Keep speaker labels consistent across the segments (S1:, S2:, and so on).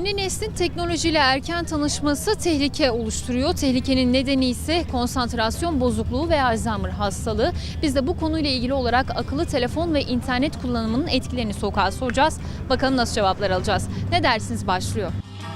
S1: Yeni neslin teknolojiyle erken tanışması tehlike oluşturuyor. Tehlikenin nedeni ise konsantrasyon bozukluğu ve Alzheimer hastalığı. Biz de bu konuyla ilgili olarak akıllı telefon ve internet kullanımının etkilerini sokağa soracağız. Bakalım nasıl cevaplar alacağız. Ne dersiniz, başlıyor.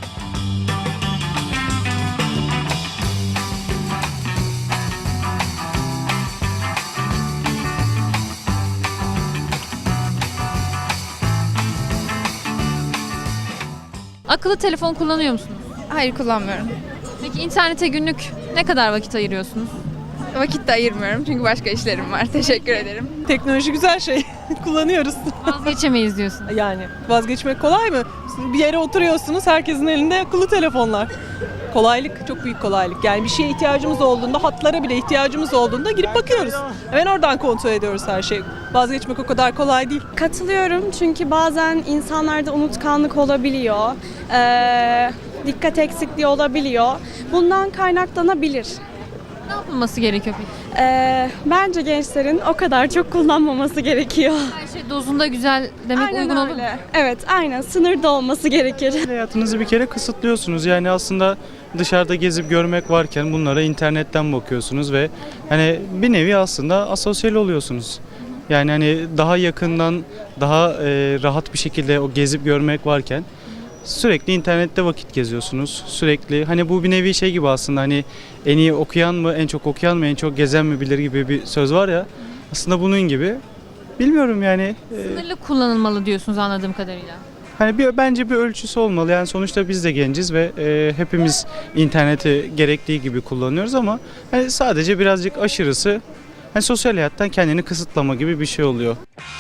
S1: Akıllı telefon kullanıyor musunuz?
S2: Hayır, kullanmıyorum.
S1: Peki internete günlük ne kadar vakit ayırıyorsunuz?
S2: Vakit de ayırmıyorum çünkü başka işlerim var. Teşekkür ederim.
S3: Teknoloji güzel şey. Kullanıyoruz.
S1: Vazgeçemeyiz diyorsun.
S3: Yani vazgeçmek kolay mı? Siz bir yere oturuyorsunuz, herkesin elinde akıllı telefonlar. Kolaylık, çok büyük kolaylık. Yani bir şeye ihtiyacımız olduğunda, hatlara bile ihtiyacımız olduğunda girip bakıyoruz. Hemen oradan kontrol ediyoruz her şeyi. Vazgeçmek o kadar kolay değil.
S4: Katılıyorum çünkü bazen insanlarda unutkanlık olabiliyor, dikkat eksikliği olabiliyor. Bundan kaynaklanabilir.
S1: Ne yapılması gerekiyor peki?
S4: Bence gençlerin o kadar çok kullanmaması gerekiyor.
S1: Her şey dozunda güzel demek
S4: Aynen
S1: uygun olur mu?
S4: öyle. Evet, aynen. Sınırda olması gerekir.
S5: Hayatınızı bir kere kısıtlıyorsunuz. Yani aslında dışarıda gezip görmek varken bunlara internetten bakıyorsunuz ve hani bir nevi aslında asosyal oluyorsunuz. Yani hani daha yakından, daha rahat bir şekilde o gezip görmek varken sürekli internette vakit geziyorsunuz. Sürekli hani bu bir nevi şey gibi aslında, hani en iyi okuyan mı, en çok okuyan mı, en çok gezen mi bilir gibi bir söz var ya. Aslında bunun gibi. Bilmiyorum yani.
S1: Sınırlı kullanılmalı diyorsunuz anladığım kadarıyla.
S5: Hani bence bir ölçüsü olmalı. Yani sonuçta biz de genciz ve hepimiz interneti gerektiği gibi kullanıyoruz ama hani sadece birazcık aşırısı hani sosyal hayattan kendini kısıtlama gibi bir şey oluyor.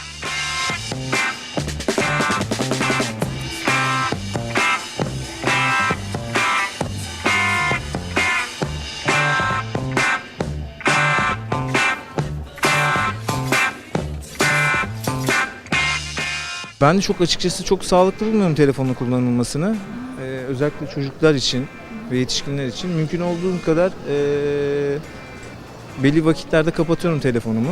S6: Ben de açıkçası çok sağlıklı bulmuyorum telefonun kullanılmasını. Özellikle çocuklar için ve yetişkinler için mümkün olduğu kadar belli vakitlerde kapatıyorum telefonumu.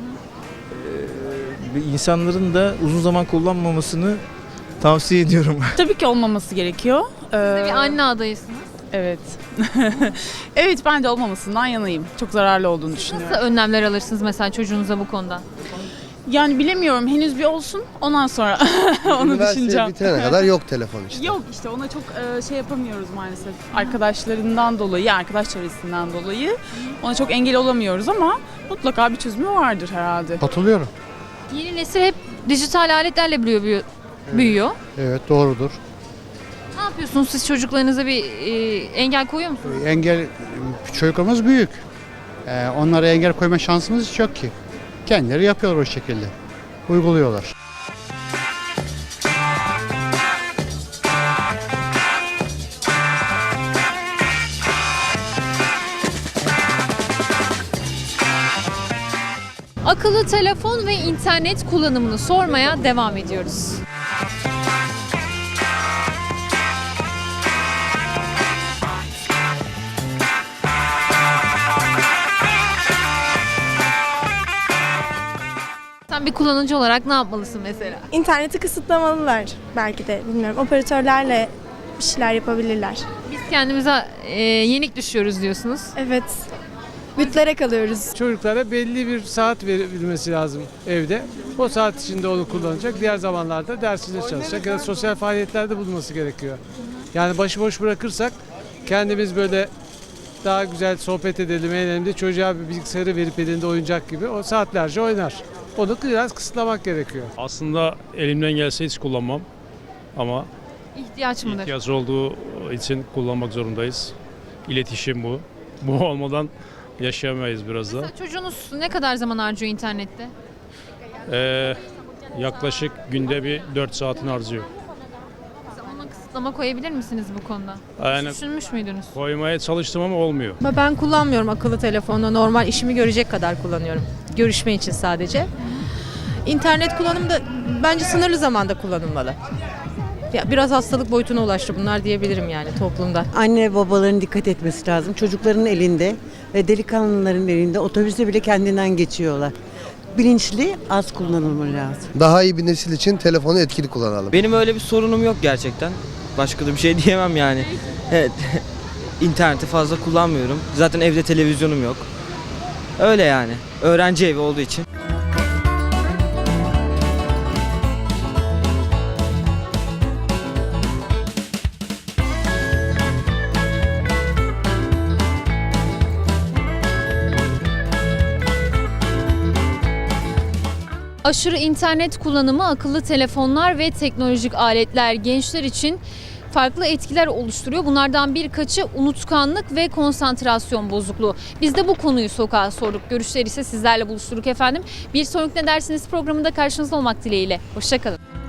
S6: İnsanların da uzun zaman kullanmamasını tavsiye ediyorum.
S7: Tabii ki olmaması gerekiyor.
S1: Siz de bir anne adayısınız.
S7: Evet. Evet, ben de olmamasından yanayım. Çok zararlı olduğunu düşünüyorum.
S1: Nasıl önlemler alırsınız mesela çocuğunuza bu konuda?
S7: Yani bilemiyorum, henüz bir olsun, ondan sonra onu
S8: Üniversite
S7: düşüneceğim.
S8: bitirene kadar yok telefon işte.
S7: Yok işte, ona çok şey yapamıyoruz maalesef. Arkadaşlarından dolayı, arkadaş çevresinden dolayı ona çok engel olamıyoruz ama mutlaka bir çözümü vardır herhalde.
S8: Katılıyorum.
S1: Yeni nesil hep dijital aletlerle büyüyor.
S8: Evet, doğrudur.
S1: Ne yapıyorsunuz siz, çocuklarınıza bir engel koyuyor musunuz?
S9: Engel, çocuklarımız büyük. Onlara engel koyma şansımız hiç yok ki. Kendileri yapıyorlar o şekilde. Uyguluyorlar.
S1: Akıllı telefon ve internet kullanımını sormaya devam ediyoruz. Sen bir kullanıcı olarak ne yapmalısın mesela?
S4: İnterneti kısıtlamalılar belki de, bilmiyorum. Operatörlerle bir şeyler yapabilirler.
S1: Biz kendimize yenik düşüyoruz diyorsunuz.
S4: Evet. Bütlere kalıyoruz.
S10: Çocuklara belli bir saat verilmesi lazım evde. O saat içinde onu kullanacak. Diğer zamanlarda dersinde çalışacak ya da sosyal faaliyetlerde bulunması gerekiyor. Yani başıboş bırakırsak kendimiz böyle daha güzel sohbet edelim, eğlenelim de çocuğa bir bilgisayarı verip elinde oyuncak gibi o saatlerce oynar. Onu biraz kısıtlamak gerekiyor.
S11: Aslında elimden gelse hiç kullanmam ama
S1: İhtiyaç mıdır?
S11: ihtiyaç olduğu için kullanmak zorundayız. İletişim bu. Bu olmadan yaşayamayız biraz da.
S1: Mesela çocuğunuz ne kadar zaman harcıyor internette?
S11: Yaklaşık günde bir 4 saatini harcıyor.
S1: Mesela ona kısıtlama koyabilir misiniz bu konuda?
S11: Yani
S1: Düşünmüş müydünüz?
S11: koymaya çalıştım ama olmuyor.
S12: Ben kullanmıyorum akıllı telefonu. Normal işimi görecek kadar kullanıyorum. Görüşme için sadece. İnternet kullanımı da bence sınırlı zamanda kullanılmalı. Ya biraz hastalık boyutuna ulaştı bunlar diyebilirim yani toplumda.
S13: Anne babaların dikkat etmesi lazım. Çocukların elinde ve delikanlıların elinde, otobüste bile kendinden geçiyorlar. Bilinçli, az kullanılmalı lazım.
S8: Daha iyi bir nesil için telefonu etkili kullanalım.
S14: Benim öyle bir sorunum yok gerçekten. Başka da bir şey diyemem yani. Evet. İnterneti fazla kullanmıyorum. Zaten evde televizyonum yok. Öyle yani. Öğrenci evi olduğu için.
S1: Aşırı internet kullanımı, akıllı telefonlar ve teknolojik aletler gençler için farklı etkiler oluşturuyor. Bunlardan birkaçı unutkanlık ve konsantrasyon bozukluğu. Biz de bu konuyu sokağa sorduk. Görüşleri ise sizlerle buluşturduk efendim. Bir sonraki Ne Dersiniz programında karşınızda olmak dileğiyle. Hoşça kalın.